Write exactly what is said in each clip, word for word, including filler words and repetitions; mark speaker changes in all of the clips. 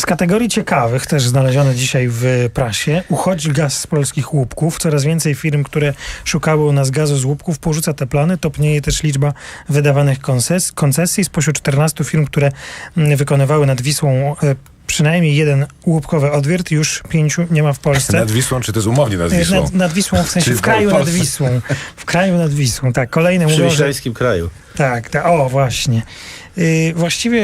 Speaker 1: Z kategorii ciekawych, też znalezione dzisiaj w prasie, uchodzi gaz z polskich łupków. Coraz więcej firm, które szukały u nas gazu z łupków, porzuca te plany. Topnieje też liczba wydawanych konces- koncesji. Spośród czternastu firm, które wykonywały nad Wisłą przynajmniej jeden łupkowy odwiert, już pięciu nie ma w Polsce.
Speaker 2: Nad Wisłą, czy to jest umownie nad Wisłą?
Speaker 1: Nad, nad Wisłą, w sensie w kraju nad Wisłą. W kraju nad Wisłą, tak. Kolejne
Speaker 3: mówią,
Speaker 1: w
Speaker 3: wiślańskim kraju.
Speaker 1: Tak, tak, o właśnie. Yy, właściwie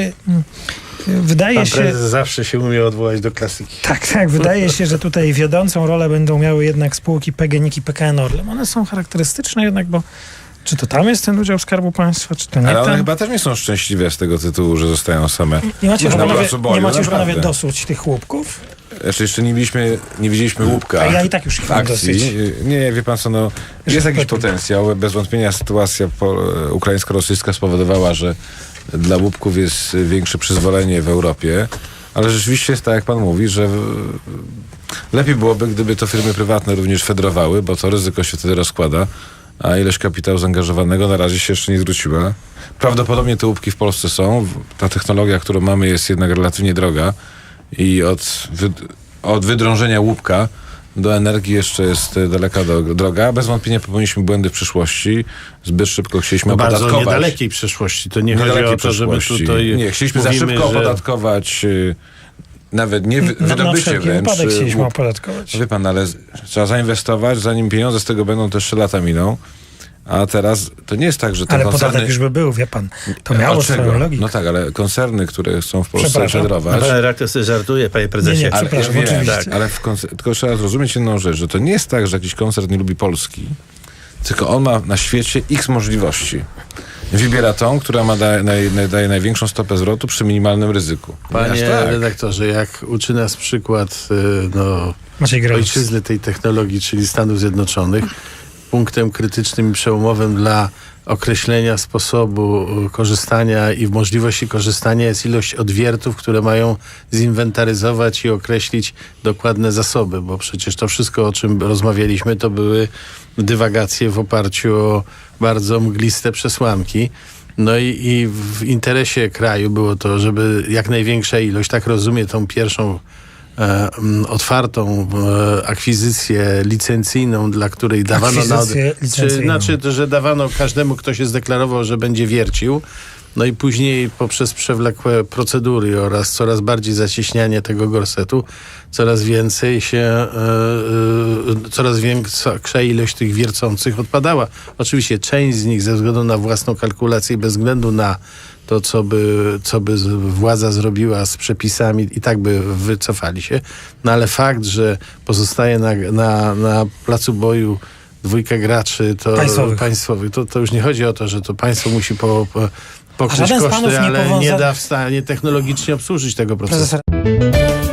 Speaker 1: yy, wydaje
Speaker 3: Pan
Speaker 1: się...
Speaker 3: prezes zawsze się umie odwołać do klasyki.
Speaker 1: Tak, tak. Wydaje się, że tutaj wiodącą rolę będą miały jednak spółki P G N I K i P K N Orlen. One są charakterystyczne jednak, bo czy to tam jest ten udział Skarbu Państwa, czy to nie
Speaker 2: Ale one
Speaker 1: tam?
Speaker 2: chyba też nie są szczęśliwe z tego tytułu, że zostają same.
Speaker 1: Nie macie już
Speaker 2: na
Speaker 1: panowie,
Speaker 2: placu boju,
Speaker 1: nie macie już panowie
Speaker 2: naprawdę.
Speaker 1: dosyć tych łupków?
Speaker 2: Jeszcze, jeszcze nie, widzieliśmy, nie widzieliśmy łupka.
Speaker 1: A ja i tak już ich mam dosyć.
Speaker 2: Nie, wie pan co, no, jest jakiś potencjał. Bez wątpienia sytuacja po, ukraińsko-rosyjska spowodowała, że dla łupków jest większe przyzwolenie w Europie, ale rzeczywiście jest tak, jak pan mówi, że w, lepiej byłoby, gdyby to firmy prywatne również fedrowały, bo to ryzyko się wtedy rozkłada, a ilość kapitału zaangażowanego na razie się jeszcze nie zwróciła. Prawdopodobnie te łupki w Polsce są. Ta technologia, którą mamy, jest jednak relatywnie droga i od, wy, od wydrążenia łupka do energii jeszcze jest daleka do, droga. Bez wątpienia popełniliśmy błędy w przyszłości. Zbyt szybko chcieliśmy
Speaker 3: no
Speaker 2: opodatkować.
Speaker 3: Bardzo niedalekiej przyszłości. To nie chodzi o to, żeby tutaj...
Speaker 2: Nie, chcieliśmy
Speaker 3: mówimy,
Speaker 2: za szybko
Speaker 3: że...
Speaker 2: opodatkować... Nawet nie wy,
Speaker 1: na,
Speaker 2: wydobycie
Speaker 1: na
Speaker 2: wręcz.
Speaker 1: wypadek chcieliśmy opodatkować.
Speaker 2: Wie pan, ale trzeba zainwestować, zanim pieniądze z tego będą, też trzy lata miną. A teraz to nie jest tak, że te
Speaker 1: ale
Speaker 2: koncerny...
Speaker 1: podatek już by był, wie pan. To miało swoją logikę.
Speaker 2: No tak, ale koncerny, które chcą w Polsce fedrować...
Speaker 3: Pan redaktor sobie żartuje, panie prezesie.
Speaker 1: Nie, nie,
Speaker 2: ale,
Speaker 1: przepraszam,
Speaker 2: ja
Speaker 1: oczywiście.
Speaker 2: Tak, ale w koncer- tylko trzeba zrozumieć jedną rzecz, że to nie jest tak, że jakiś koncern nie lubi Polski, tylko on ma na świecie x możliwości. Wybiera tą, która ma daje, naj, daje największą stopę zwrotu przy minimalnym ryzyku.
Speaker 3: Panie
Speaker 2: tak.
Speaker 3: redaktorze, jak uczy nas przykład no, ojczyzny tej technologii, czyli Stanów Zjednoczonych, punktem krytycznym i przełomowym dla określenia sposobu korzystania i możliwości korzystania jest ilość odwiertów, które mają zinwentaryzować i określić dokładne zasoby, bo przecież to wszystko, o czym rozmawialiśmy, to były dywagacje w oparciu o bardzo mgliste przesłanki. No i, i w interesie kraju było to, żeby jak największa ilość, tak rozumie tą pierwszą E, otwartą e, akwizycję licencyjną, dla której dawano na, czy, znaczy, to, że dawano każdemu, kto się zdeklarował, że będzie wiercił. No i później poprzez przewlekłe procedury oraz coraz bardziej zacieśnianie tego gorsetu, coraz więcej się, e, e, coraz większa ilość tych wiercących odpadała. Oczywiście część z nich ze względu na własną kalkulację i bez względu na to, co by, co by władza zrobiła z przepisami, i tak by wycofali się. No ale fakt, że pozostaje na, na, na placu boju dwójka graczy to
Speaker 1: państwowych,
Speaker 3: państwowych to, to już nie chodzi o to, że to państwo musi po, po, pokryć koszty, ale nie, nie da w stanie technologicznie obsłużyć tego procesu. Profesor.